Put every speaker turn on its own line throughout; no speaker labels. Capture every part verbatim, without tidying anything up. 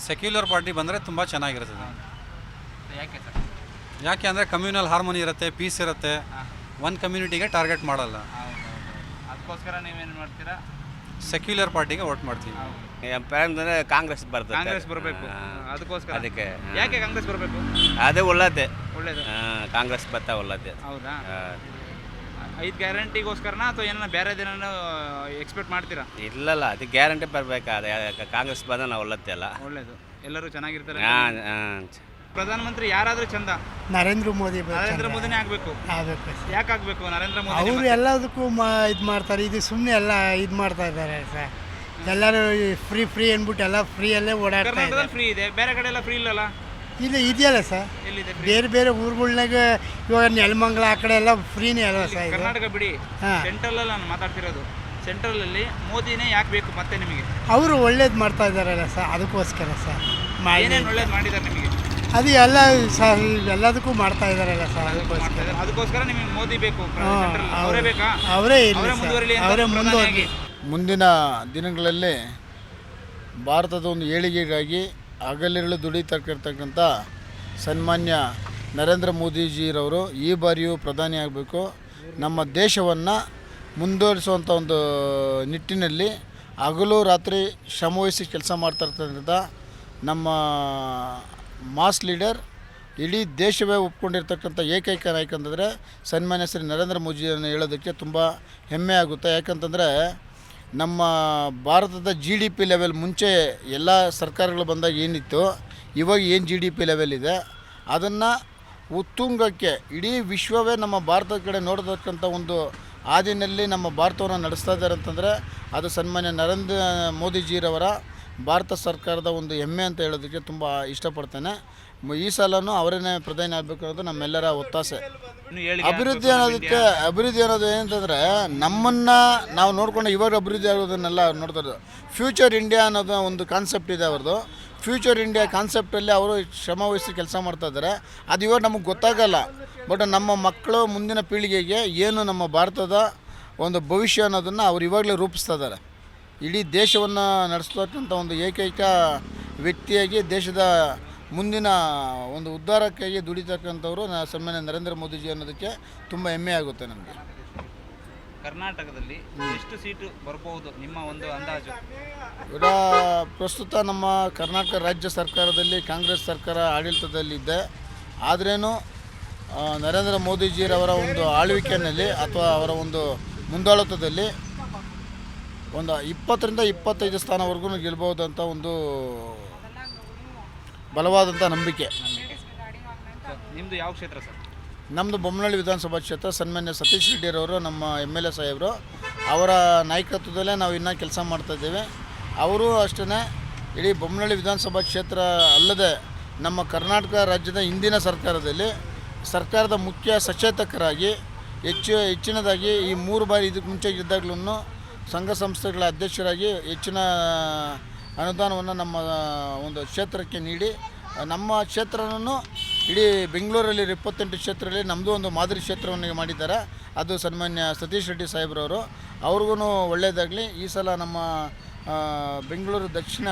Secular party ಬಂದರೆ ತುಂಬ ಚೆನ್ನಾಗಿರ್ತದೆ.
ಯಾಕೆ ಸರ್?
ಯಾಕೆ ಅಂದರೆ ಕಮ್ಯುನಲ್ ಹಾರ್ಮೋನಿ ಇರುತ್ತೆ, ಪೀಸ್ ಇರುತ್ತೆ, ಒಂದು ಕಮ್ಯುನಿಟಿಗೆ ಟಾರ್ಗೆಟ್ ಮಾಡಲ್ಲ.
ಅದಕ್ಕೋಸ್ಕರ ನೀವೇನು ಮಾಡ್ತೀರಾ?
ಸೆಕ್ಯುಲರ್ ಪಾರ್ಟಿಗೆ ವೋಟ್ ಮಾಡ್ತೀವಿ.
ಅಂದರೆ ಕಾಂಗ್ರೆಸ್ ಬರ್ತದೆ.
ಕಾಂಗ್ರೆಸ್ ಬರಬೇಕು. ಅದಕ್ಕೋಸ್ಕರ
ಅದಕ್ಕೆ
ಯಾಕೆ ಕಾಂಗ್ರೆಸ್ ಬರಬೇಕು?
ಅದೇ ಒಳ್ಳೇದೇ,
ಒಳ್ಳೇದು.
ಕಾಂಗ್ರೆಸ್ ಬರ್ತಾ ಒಳ್ಳೇದೇ.
ಹೌದಾ? ಐದು ಗ್ಯಾರಂಟಿಗೋಸ್ಕರನಾ ಅಥವಾ ಏನೋ ಬೇರೆ ದಿನ ಎಕ್ಸ್ಪೆಕ್ಟ್ ಮಾಡ್ತೀರಾ?
ಇಲ್ಲಲ್ಲ, ಅದು ಗ್ಯಾರಂಟಿ ಬರಬೇಕಾದ ಕಾಂಗ್ರೆಸ್ ಬಂದ ನಾವು ಒಳ್ಳತ್ತೆ ಅಲ್ಲ.
ಒಳ್ಳೇದು, ಎಲ್ಲರೂ ಚೆನ್ನಾಗಿರ್ತಾರೆ.
ಹಾಂ ಹಾಂ.
ಪ್ರಧಾನಮಂತ್ರಿ ಯಾರಾದರೂ ಚಂದ?
ನರೇಂದ್ರ ಮೋದಿ
ನರೇಂದ್ರ ಮೋದಿನೇ ಆಗಬೇಕು.
ಆಗಬೇಕು.
ಯಾಕೆ ಆಗಬೇಕು ನರೇಂದ್ರ ಮೋದಿ?
ಅವರು ಎಲ್ಲದಕ್ಕೂ ಮಾ ಇದು ಮಾಡ್ತಾರೆ, ಇದು ಸುಮ್ಮನೆ ಎಲ್ಲ ಇದು ಮಾಡ್ತಾ ಇದ್ದಾರೆ ಸರ್. ಎಲ್ಲರೂ ಫ್ರೀ ಫ್ರೀ ಅಂದ್ಬಿಟ್ಟು ಎಲ್ಲ ಫ್ರೀಯಲ್ಲೇ ಓಡಾಡ್ತಾ ಇದ್ದಾರೆ.
ಕರ್ನಾಟಕದಲ್ಲಿ ಫ್ರೀ ಇದೆ, ಬೇರೆ ಕಡೆ ಎಲ್ಲ ಫ್ರೀ ಇಲ್ಲಲ್ಲ?
ಇಲ್ಲ, ಇದೆಯಲ್ಲ ಸರ್.
ಎಲ್ಲಿದೆ?
ಬೇರೆ ಬೇರೆ ಊರುಗಳ್ನಾಗ ಇವಾಗ ನೆಲಮಂಗಲ ಆ ಕಡೆ ಎಲ್ಲ ಫ್ರೀನೇ ಅಲ್ವಾ ಸರ್? ಇದು
ಕರ್ನಾಟಕ ಬಿಡಿ,
ಹಾಂ.
ಸೆಂಟ್ರಲ್ ಅಲ್ಲಿ ನಾನು ಮಾತಾಡ್ತಿರೋದು. ಸೆಂಟ್ರಲ್ ಅಲ್ಲಿ ಮೋದಿನೇ ಯಾಕೆ ಬೇಕು ಮತ್ತೆ ನಿಮಗೆ?
ಅವರು ಒಳ್ಳೇದು ಮಾಡ್ತಾ ಇದ್ದಾರಲ್ಲ ಸರ್, ಅದಕ್ಕೋಸ್ಕರ ಸರ್.
ಏನೇನು ಒಳ್ಳೇದು ಮಾಡಿದ್ದಾರೆ ನಿಮಗೆ?
ಅದು ಎಲ್ಲ ಸರ್ ಎಲ್ಲದಕ್ಕೂ ಮಾಡ್ತಾ ಇದ್ದಾರಲ್ಲ ಸರ್, ಅದಕ್ಕೋಸ್ಕರ.
ಅದಕ್ಕೋಸ್ಕರ ನಿಮಗೆ ಮೋದಿ ಬೇಕು.
ಹಾಂ,
ಅವರೇ ಬೇಕಾ?
ಅವರೇ
ಅವರೇ ಮುಂದುವರಿಲಿ ಅಂತ
ಅವರೇ ಮುಂದುವರಿ.
ಪ್ರಧಾನಿಯಾಗಿ.
ಮುಂದಿನ ದಿನಗಳಲ್ಲಿ ಭಾರತದ ಒಂದು ಏಳಿಗೆಗಾಗಿ ಹಗಲಿರುಳು ದುಡಿತಕ್ಕಿರ್ತಕ್ಕಂಥ ಸನ್ಮಾನ್ಯ ನರೇಂದ್ರ ಮೋದಿಜಿರವರು ಈ ಬಾರಿಯೂ ಪ್ರಧಾನಿ ಆಗಬೇಕು. ನಮ್ಮ ದೇಶವನ್ನು ಮುಂದುವರಿಸುವಂಥ ಒಂದು ನಿಟ್ಟಿನಲ್ಲಿ ಹಗಲು ರಾತ್ರಿ ಶ್ರಮವಹಿಸಿ ಕೆಲಸ ಮಾಡ್ತಾಯಿರ್ತಕ್ಕಂಥ ನಮ್ಮ ಮಾಸ್ ಲೀಡರ್, ಇಡೀ ದೇಶವೇ ಒಪ್ಕೊಂಡಿರ್ತಕ್ಕಂಥ ಏಕೈಕ ನಾಯಕ ಅಂತಂದರೆ ಸನ್ಮಾನ್ಯ ಶ್ರೀ ನರೇಂದ್ರ ಮೋದಿಯನ್ನು ಹೇಳೋದಕ್ಕೆ ತುಂಬ ಹೆಮ್ಮೆ ಆಗುತ್ತೆ. ಯಾಕಂತಂದರೆ ನಮ್ಮ ಭಾರತದ ಜಿ ಡಿ ಪಿ ಲೆವೆಲ್ ಮುಂಚೆ ಎಲ್ಲ ಸರ್ಕಾರಗಳು ಬಂದಾಗ ಏನಿತ್ತು, ಇವಾಗ ಏನು ಜಿ ಡಿ ಪಿ ಲೆವೆಲ್ ಇದೆ ಅದನ್ನು ಉತ್ತುಂಗಕ್ಕೆ ಇಡೀ ವಿಶ್ವವೇ ನಮ್ಮ ಭಾರತದ ಕಡೆ ನೋಡತಕ್ಕಂಥ ಒಂದು ಹಾದಿನಲ್ಲಿ ನಮ್ಮ ಭಾರತವನ್ನು ನಡೆಸ್ತಾ ಇದ್ದಾರೆ ಅಂತಂದರೆ ಅದು ಸನ್ಮಾನ್ಯ ನರೇಂದ್ರ ಮೋದಿಜಿರವರ ಭಾರತ ಸರ್ಕಾರದ ಒಂದು ಹೆಮ್ಮೆ ಅಂತ ಹೇಳೋದಕ್ಕೆ ತುಂಬ ಇಷ್ಟಪಡ್ತೇನೆ. ಈ ಸಲನೂ ಅವರನ್ನೇ ಪ್ರಧಾನಿ ಆಗಬೇಕು ಅನ್ನೋದು ನಮ್ಮೆಲ್ಲರ ಒತ್ತಾಸೆ. ಅಭಿವೃದ್ಧಿ ಅನ್ನೋದಕ್ಕೆ ಅಭಿವೃದ್ಧಿ ಅನ್ನೋದು ಏನಂತಂದರೆ ನಮ್ಮನ್ನು ನಾವು ನೋಡ್ಕೊಂಡು ಇವಾಗ ಅಭಿವೃದ್ಧಿ ಆಗೋದನ್ನೆಲ್ಲ ನೋಡ್ತಾರೆ. ಫ್ಯೂಚರ್ ಇಂಡಿಯಾ ಅನ್ನೋದು ಒಂದು ಕಾನ್ಸೆಪ್ಟ್ ಇದೆ ಅವ್ರದ್ದು. ಫ್ಯೂಚರ್ ಇಂಡಿಯಾ ಕಾನ್ಸೆಪ್ಟಲ್ಲಿ ಅವರು ಶ್ರಮವಹಿಸಿ ಕೆಲಸ ಮಾಡ್ತಾಯಿದ್ದಾರೆ. ಅದು ಇವಾಗ ನಮಗೆ ಗೊತ್ತಾಗಲ್ಲ, ಬಟ್ ನಮ್ಮ ಮಕ್ಕಳು ಮುಂದಿನ ಪೀಳಿಗೆಗೆ ಏನು ನಮ್ಮ ಭಾರತದ ಒಂದು ಭವಿಷ್ಯ ಅನ್ನೋದನ್ನು ಅವ್ರು ಇವಾಗಲೇ ರೂಪಿಸ್ತಾ ಇದ್ದಾರೆ. ಇಡೀ ದೇಶವನ್ನು ನಡೆಸ್ತಕ್ಕಂಥ ಒಂದು ಏಕೈಕ ವ್ಯಕ್ತಿಯಾಗಿ ದೇಶದ ಮುಂದಿನ ಒಂದು ಉದ್ಧಾರಕ್ಕಾಗಿ ದುಡಿತಕ್ಕಂಥವ್ರು ನಾ ಸನ್ಮಾನ್ಯ ನರೇಂದ್ರ ಮೋದಿಜಿ ಅನ್ನೋದಕ್ಕೆ ತುಂಬ ಹೆಮ್ಮೆ ಆಗುತ್ತೆ ನಮಗೆ.
ಕರ್ನಾಟಕದಲ್ಲಿ ಎಷ್ಟು ಸೀಟು ಬರ್ಬೋದು ನಿಮ್ಮ ಒಂದು ಅಂದಾಜು?
ಈಗ ಪ್ರಸ್ತುತ ನಮ್ಮ ಕರ್ನಾಟಕ ರಾಜ್ಯ ಸರ್ಕಾರದಲ್ಲಿ ಕಾಂಗ್ರೆಸ್ ಸರ್ಕಾರ ಆಡಳಿತದಲ್ಲಿದೆ. ಆದ್ರೇನು ನರೇಂದ್ರ ಮೋದಿಜಿರವರ ಒಂದು ಆಳ್ವಿಕೆಯಲ್ಲಿ ಅಥವಾ ಅವರ ಒಂದು ಮುಂದಾಳತ್ವದಲ್ಲಿ ಒಂದು ಇಪ್ಪತ್ತರಿಂದ ಇಪ್ಪತ್ತೈದು ಸ್ಥಾನವರೆಗೂ ಗೆಲ್ಬೋದು ಅಂತ ಒಂದು ಬಲವಾದಂಥ ನಂಬಿಕೆ.
ನಿಮ್ಮದು ಯಾವ ಕ್ಷೇತ್ರ ಸರ್?
ನಮ್ಮದು ಬೊಮ್ಮನಹಳ್ಳಿ ವಿಧಾನಸಭಾ ಕ್ಷೇತ್ರ. ಸನ್ಮಾನ್ಯ ಸತೀಶ್ ರೆಡ್ಡಿರವರು ನಮ್ಮ ಎಮ್ ಎಲ್ ಎ ಸಾಹೇಬರು, ಅವರ ನಾಯಕತ್ವದಲ್ಲೇ ನಾವು ಇನ್ನೂ ಕೆಲಸ ಮಾಡ್ತಾಯಿದ್ದೇವೆ. ಅವರು ಅಷ್ಟೇ ಇಡೀ ಬೊಮ್ಮನಹಳ್ಳಿ ವಿಧಾನಸಭಾ ಕ್ಷೇತ್ರ ಅಲ್ಲದೆ ನಮ್ಮ ಕರ್ನಾಟಕ ರಾಜ್ಯದ ಹಿಂದಿನ ಸರ್ಕಾರದಲ್ಲಿ ಸರ್ಕಾರದ ಮುಖ್ಯ ಸಚೇತಕರಾಗಿ ಹೆಚ್ಚು ಹೆಚ್ಚಿನದಾಗಿ ಈ ಮೂರು ಬಾರಿ ಇದಕ್ಕೆ ಮುಂಚೆ ಇದ್ದಾಗಲೂ ಸಂಘ ಸಂಸ್ಥೆಗಳ ಅಧ್ಯಕ್ಷರಾಗಿ ಹೆಚ್ಚಿನ ಅನುದಾನವನ್ನು ನಮ್ಮ ಒಂದು ಕ್ಷೇತ್ರಕ್ಕೆ ನೀಡಿ ನಮ್ಮ ಕ್ಷೇತ್ರವನ್ನು ಇಡೀ ಬೆಂಗಳೂರಲ್ಲಿ ಇಪ್ಪತ್ತೆಂಟು ಕ್ಷೇತ್ರದಲ್ಲಿ ನಮ್ಮದು ಒಂದು ಮಾದರಿ ಕ್ಷೇತ್ರವನ್ನು ಮಾಡಿದ್ದಾರೆ. ಅದು ಸನ್ಮಾನ್ಯ ಸತೀಶ್ ರೆಡ್ಡಿ ಸಾಹೇಬ್ರವರು. ಅವ್ರಿಗೂ ಒಳ್ಳೆಯದಾಗಲಿ. ಈ ಸಲ ನಮ್ಮ ಬೆಂಗಳೂರು ದಕ್ಷಿಣ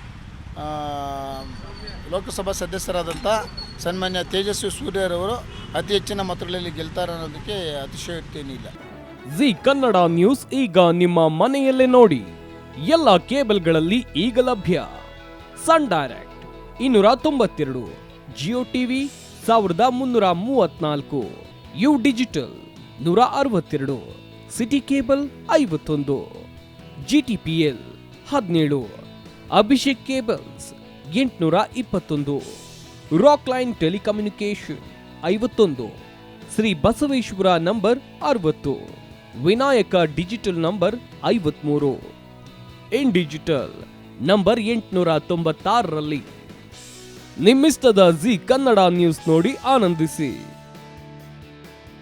ಲೋಕಸಭಾ ಸದಸ್ಯರಾದಂಥ ಸನ್ಮಾನ್ಯ ತೇಜಸ್ವಿ ಸೂರ್ಯರವರು ಅತಿ ಹೆಚ್ಚಿನ ಮತಗಳಲ್ಲಿ ಗೆಲ್ತಾರೆ ಅನ್ನೋದಕ್ಕೆ ಅತಿಶಯೋಕ್ತಿ ಏನಿಲ್ಲ.
ಜಿ ಕನ್ನಡ ನ್ಯೂಸ್ ಈಗ ನಿಮ್ಮ ಮನೆಯಲ್ಲೇ ನೋಡಿ. ಎಲ್ಲ ಕೇಬಲ್ಗಳಲ್ಲಿ ಈಗ ಲಭ್ಯ. ಸನ್ ಡೈರೆಕ್ಟ್ ಇನ್ನೂರ ತೊಂಬತ್ತೆರಡು, ಜಿಯೋ ಟಿವಿ ಸಾವಿರದ ಮುನ್ನೂರ ಮೂವತ್ನಾಲ್ಕು, ಯು ಡಿಜಿಟಲ್ ನೂರ ಅರವತ್ತೆರಡು, ಸಿಟಿ ಕೇಬಲ್ ಐವತ್ತೊಂದು, ಜಿ ಟಿ ಪಿ ಎಲ್ ಹದಿನೇಳು, ಅಭಿಷೇಕ್ ಕೇಬಲ್ಸ್ ಎಂಟುನೂರ ಇಪ್ಪತ್ತೊಂದು, ರಾಕ್ ಲೈನ್ ಟೆಲಿಕಮ್ಯುನಿಕೇಶನ್ ಐವತ್ತೊಂದು, ಶ್ರೀ ಬಸವೇಶ್ವರ ನಂಬರ್ ಅರವತ್ತು, ವಿನಾಯಕ ಡಿಜಿಟಲ್ ನಂಬರ್ ಐವತ್ಮೂರು, ಇನ್ ಡಿಜಿಟಲ್ ನಂಬರ್ ಎಂಟುನೂರ ತೊಂಬತ್ತಾರರಲ್ಲಿ. ನಿಮ್ಮಿಸ್ತದ ಜಿ ಕನ್ನಡ ನ್ಯೂಸ್ ನೋಡಿ ಆನಂದಿಸಿ.